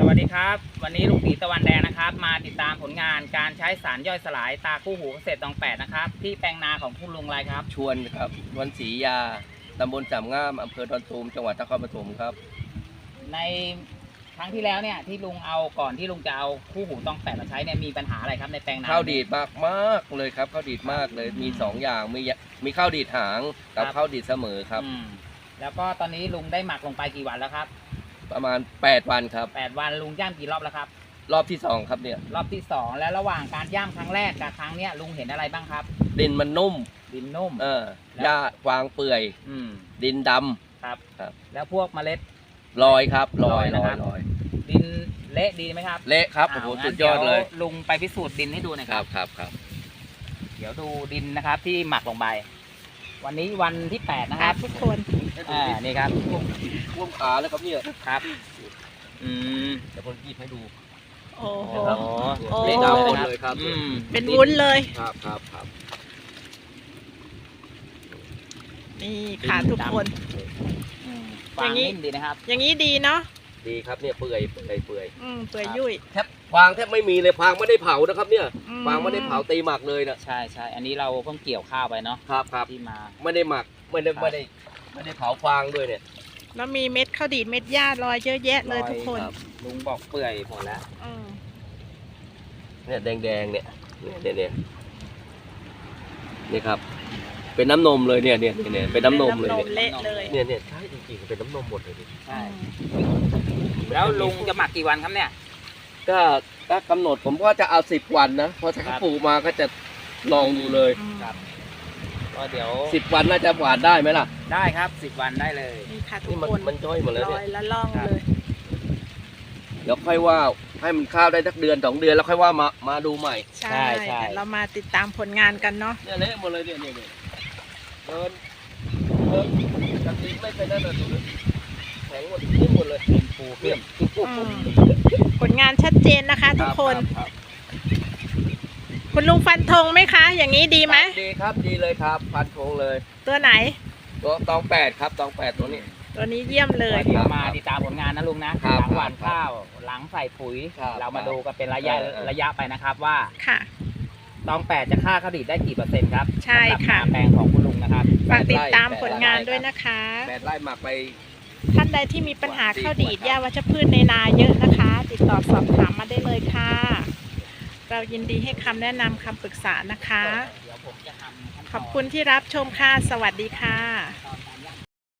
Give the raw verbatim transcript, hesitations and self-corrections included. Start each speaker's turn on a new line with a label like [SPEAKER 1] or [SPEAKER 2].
[SPEAKER 1] วัสดีครับวันนี้ลุงตีตะวันแดงนะครับมาติดตามผลงานการใช้สารย่อยสลายตาคู่หูเกษตรตองแปดนะครับที่แปลงนาของคุณลุงไรครับ
[SPEAKER 2] ชวนครับวันศรียาตำบลจำง่ามอำเภอดอนตูมจังหวัดนครปฐมครับ
[SPEAKER 1] ในครั้งที่แล้วเนี่ยที่ลุงเอาก่อนที่ลุงจะเอาคู่หูตองแปดมาใช้เนี่ยมีปัญหาอะไรครับในแปลงนา
[SPEAKER 2] ข้าวดีดมากมากเลยครับข้าวดีดมากเลยมีสองอย่างมีมีข้าวดีดหางกับข้าวดีดเสมอครับ
[SPEAKER 1] แล้วก็ตอนนี้ลุงได้หมักลงไปกี่วันแล้วครับ
[SPEAKER 2] ประมาณแปดวันครับ
[SPEAKER 1] แปดวันลุงย่ำกี่รอบแล้วครับ
[SPEAKER 2] รอบที่สองครับเนี่ย
[SPEAKER 1] รอบที่สองแล้วระหว่างการย่ำครั้งแรกกับครั้งเนี้ยลุงเห็นอะไรบ้างครับ
[SPEAKER 2] ดินมันนุ่ม
[SPEAKER 1] ดินนุ่ม
[SPEAKER 2] เออหญ้าฟางเปื่อยดินดำ
[SPEAKER 1] ครับครับแล้วพวกเมล็ด
[SPEAKER 2] ลอยครับลอยลอยลอย
[SPEAKER 1] ดินเละดีไหมครับ
[SPEAKER 2] เละครับโอ้โหสุดยอดเลย
[SPEAKER 1] ลุงไปพิสูจน์ดินให้ดูหน่อยครับ
[SPEAKER 2] ครับครับ
[SPEAKER 1] เดี๋ยวดูดินนะครับที่หมักลงไปวันนี้วันที่แปดนะครับ
[SPEAKER 3] ทุกคน
[SPEAKER 1] อ่านี่ครับ
[SPEAKER 2] ท่วมขาแล้วครับเนี่ย
[SPEAKER 1] ครับอืม
[SPEAKER 2] เดี๋ยวผมหยิบให้ดู
[SPEAKER 3] โอ้โห
[SPEAKER 2] เละดำหมดเลยครับ
[SPEAKER 3] เป็นวุ้นเลย
[SPEAKER 2] ครับครับครับ
[SPEAKER 3] นี่ค่ะทุกคน
[SPEAKER 1] อย่างนี้ดีนะครับ
[SPEAKER 3] อย่างนี้ดีเนาะ
[SPEAKER 2] ดีครับเนี่ยเปื่อยเปื่อยเปื่อย
[SPEAKER 3] อืมเปื่อยยุ่ย
[SPEAKER 2] แทบฟางแทบไม่มีเลยฟางไม่ได้เผานะครับเนี่ยฟางไม่ได้เผาตีหมักเลยนะ
[SPEAKER 1] ใช่ใช่อันนี้เราเพิ่งเกี่ยวข้าวไปเนาะ
[SPEAKER 2] ครับครับ
[SPEAKER 1] ที่มา
[SPEAKER 2] ไม่ได้หมักไม่ได้ไม่ได้ไม่ได้เผาฟางด้วยเนี่ย
[SPEAKER 3] แล้วมีเม็ดข้าวดีดเม็ดหญ้าลอยเยอะแยะเลยทุกคน
[SPEAKER 1] ลุงบอกเปื่อยหมดแล้ว
[SPEAKER 2] เนี่ยแดงๆเนี่ยเนี่ยเนี่ยนี่ครับเป็นน้ำนมเลยเนี่ยเนี่ยเนี่ยเป็นน้ำนมเลยเนี่ยเนี่ยใช่จริงๆเป็นน้ำนมหมดเลย
[SPEAKER 1] ใช่แล้วลุงจะหมักกี่วันครับเนี่ย
[SPEAKER 2] ก็ก็กำหนดผมก็จะเอาสิบวันนะพอถ้าปลูกมาก็จะลองดูเลย
[SPEAKER 1] ครับก็เดี๋ยว
[SPEAKER 2] สิบวันน่าจะหวานได้ไหมล่ะ
[SPEAKER 1] ได้ครับสิบวันได้เลย
[SPEAKER 3] นี่ค่ะทุกคน
[SPEAKER 2] มันจ้อยหมดเลยเนี่ย
[SPEAKER 3] ลอยละล่องเลย
[SPEAKER 2] เดี๋ยวค่อยว่าให้มันข้าวได้สักเดือนสองเดือนแล้วค่อยว่ามามาดูใหม่
[SPEAKER 3] ใช่ใช่เรามาติดตามผลงานกันเนาะ
[SPEAKER 2] เนี่ยเละหมดเลยเนี่ยเนี่ยเดินเดินจะทิ้งไม่เป็นนั่นเลยแข็งหมดทิ้งหมดเลยปูเปี้ย
[SPEAKER 3] ผลงานชัดเจนนะคะทุกคนคุณลุงฟันธงไหมคะอย่างนี้ดีไหม
[SPEAKER 2] ดีครับดีเลยครับฟันธงเลย
[SPEAKER 3] ตัวไหน
[SPEAKER 2] ตัวตองแปดครับตองแปดตัวนี้
[SPEAKER 3] ตัวนี้เยี่ยมเลย
[SPEAKER 1] เดี๋ยวมาติดตามผลงานนะลุงนะหลังหว่านข้าวหลังใส่ปุ๋ยเรามาดูกันเป็นระยะระยะไปนะครับว่า
[SPEAKER 3] ค่ะ
[SPEAKER 1] ตองแปดจะฆ่าข้าวดีดได้กี่เปอร์เซ็นต์ครับ
[SPEAKER 3] ใช่ค่ะ
[SPEAKER 1] แปลงของคุณลุงนะครับ
[SPEAKER 3] ฝากติดตามผลงานด้วยนะคะ
[SPEAKER 2] แปดไร่หมักไป
[SPEAKER 3] ท่านใดที่มีปัญหาข้าวดีดหญ้าวัชพืชในนาเยอะนะคะ ติดต่อสอบถามมาได้เลยค่ะเรายินดีให้คำแนะนำคำปรึกษานะคะขอบคุณที่รับชมค่ะสวัสดีค่ะ